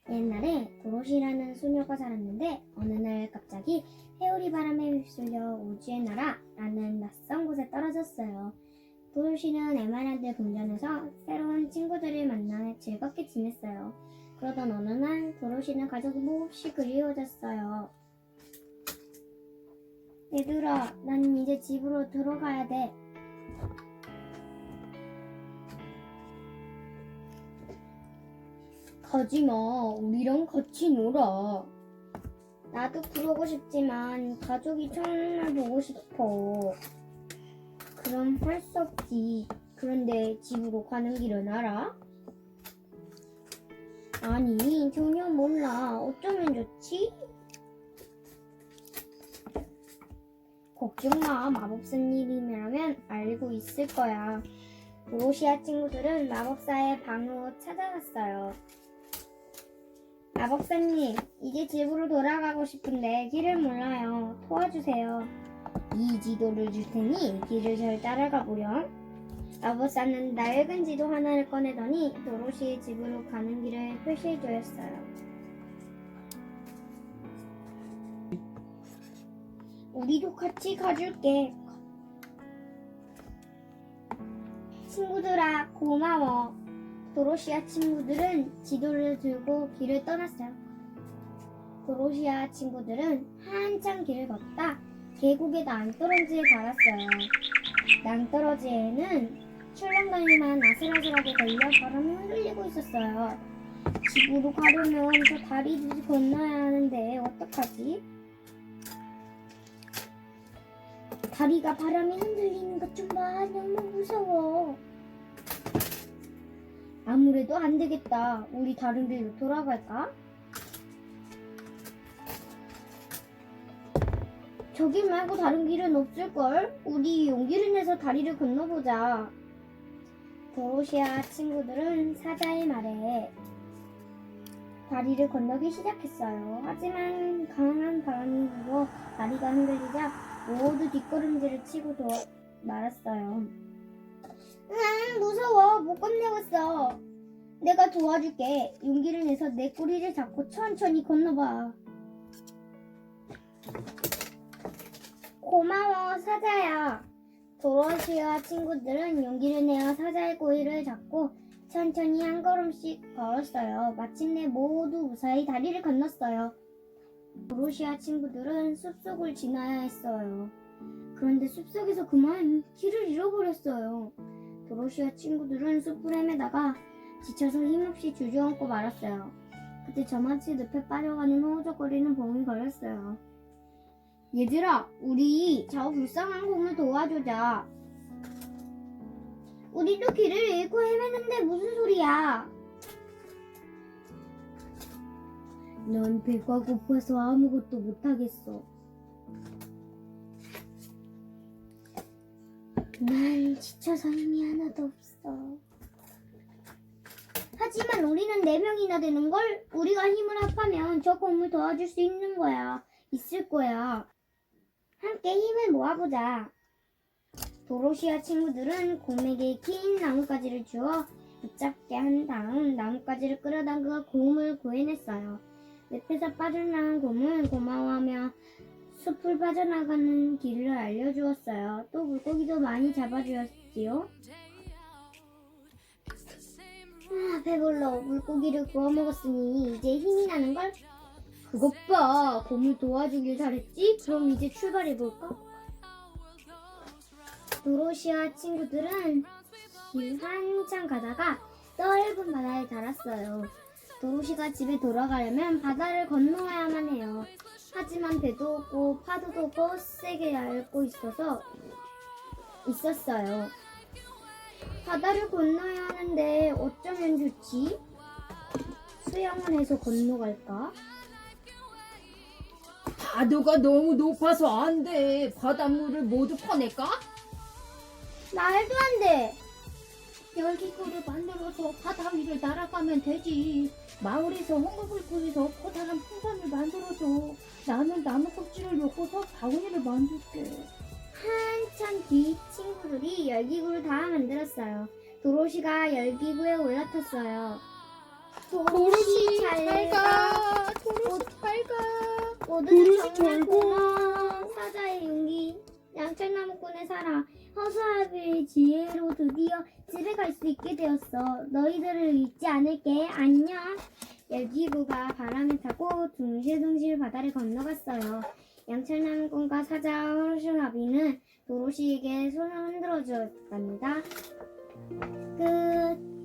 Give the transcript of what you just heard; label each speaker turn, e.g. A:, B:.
A: 옛날에 도로시라는 소녀가 살았는데 어느 날 갑자기 회오리 바람에 휩쓸려 우주의 나라라는 낯선 곳에 떨어졌어요. 도로시는 에메랄드 궁전에서 새로운 친구들을 만나 즐겁게 지냈어요. 그러던 어느 날 도로시는 가족이 몹시 그리워졌어요. 얘들아, 난 이제 집으로 들어가야 돼. 가지마, 우리랑 같이 놀아. 나도 그러고 싶지만 가족이 정말 보고 싶어. 그럼 할 수 없지. 그런데 집으로 가는 길은 알아? 아니, 전혀 몰라. 어쩌면 좋지? 걱정 마, 마법사님이라면 알고 있을 거야. 도로시아 친구들은 마법사의 방으로 찾아갔어요. 마법사님, 이제 집으로 돌아가고 싶은데 길을 몰라요. 도와주세요. 이 지도를 줄 테니 길을 잘 따라가 보렴. 마법사는 낡은 지도 하나를 꺼내더니 도로시의 집으로 가는 길을 표시해 주었어요. 우리도 같이 가줄게. 친구들아, 고마워. 도로시아 친구들은 지도를 들고 길을 떠났어요. 도로시아 친구들은 한참 길을 걷다 계곡의 낭떠러지에 닿았어요. 낭떠러지에는 출렁다리만 아슬아슬하게 걸려 바람이 흔들리고 있었어요. 집으로 가려면 저 다리를 건너야 하는데 어떡하지? 다리가 바람에 흔들리는 것 좀 봐. 너무 무서워. 아무래도 안 되겠다. 우리 다른 길로 돌아갈까? 저기 말고 다른 길은 없을걸? 우리 용기를 내서 다리를 건너보자. 도로시아 친구들은 사자의 말에 다리를 건너기 시작했어요. 하지만 강한 바람이 불어 다리가 흔들리자 모두 뒷걸음질을 치고 말았어요. 무서워. 못 건너겠어. 내가 도와줄게. 용기를 내서 내 꼬리를 잡고 천천히 건너봐. 고마워, 사자야. 도로시아 친구들은 용기를 내어 사자의 꼬리를 잡고 천천히 한 걸음씩 걸었어요. 마침내 모두 무사히 다리를 건넜어요. 도로시아 친구들은 숲속을 지나야 했어요. 그런데 숲속에서 그만 길을 잃어버렸어요. 도로시아 친구들은 숲을 헤매다가 지쳐서 힘없이 주저앉고 말았어요. 그때 저마치 늪에 빠져가는 허우적거리는 봄이 걸렸어요. 얘들아, 우리 저 불쌍한 곰을 도와주자. 우리도 길을 잃고 헤매는데 무슨 소리야? 넌 배가 고파서 아무것도 못하겠어. 난 지쳐서 힘이 하나도 없어. 하지만 우리는 4명이나 되는걸? 우리가 힘을 합하면 저 곰을 도와줄 수 있는 거야. 있을 거야. 함께 힘을 모아보자. 도로시아 친구들은 곰에게 긴 나뭇가지를 주어 붙잡게 한 다음 나뭇가지를 끌어당겨 곰을 구해냈어요. 늪에서 빠져나간 곰은 고마워하며 숲을 빠져나가는 길을 알려주었어요. 또 물고기도 많이 잡아주었지요. 배불러. 물고기를 구워 먹었으니 이제 힘이 나는걸? 그것 봐. 곰을 도와주길 잘했지? 그럼 이제 출발해볼까? 도로시아 친구들은 길 한참 가다가 넓은 바다에 달았어요. 도로시가 집에 돌아가려면 바다를 건너야만 해요. 하지만 배도 없고 파도도 없고 세게 앓고 있었어요. 바다를 건너야 하는데 어쩌면 좋지? 수영을 해서 건너갈까?
B: 파도가 너무 높아서 안 돼. 바닷물을 모두 퍼낼까?
A: 말도 안 돼. 열기구를 만들어서 바다 위를 날아가면 되지. 마을에서 홍보를 꾸려서 커다란 풍선을 만들어줘. 나는 나무 껍질을 엮어서 바구니를 만들게. 한참 뒤 친구들이 열기구를 다 만들었어요. 도로시가 열기구에 올라탔어요. 도로시 잘 가. 모두들
C: 도로시
A: 정말
C: 절고.
A: 고마워. 사자의 용기. 양철나무꾼의 사랑. 허수아비의 지혜로 드디어 집에 갈 수 있게 되었어. 너희들을 잊지 않을게. 안녕. 열기구가 바람을 타고 둥실둥실 바다를 건너갔어요. 양철나무꾼과 사자 허수아비는 도로시에게 손을 흔들어 주었답니다. 끝.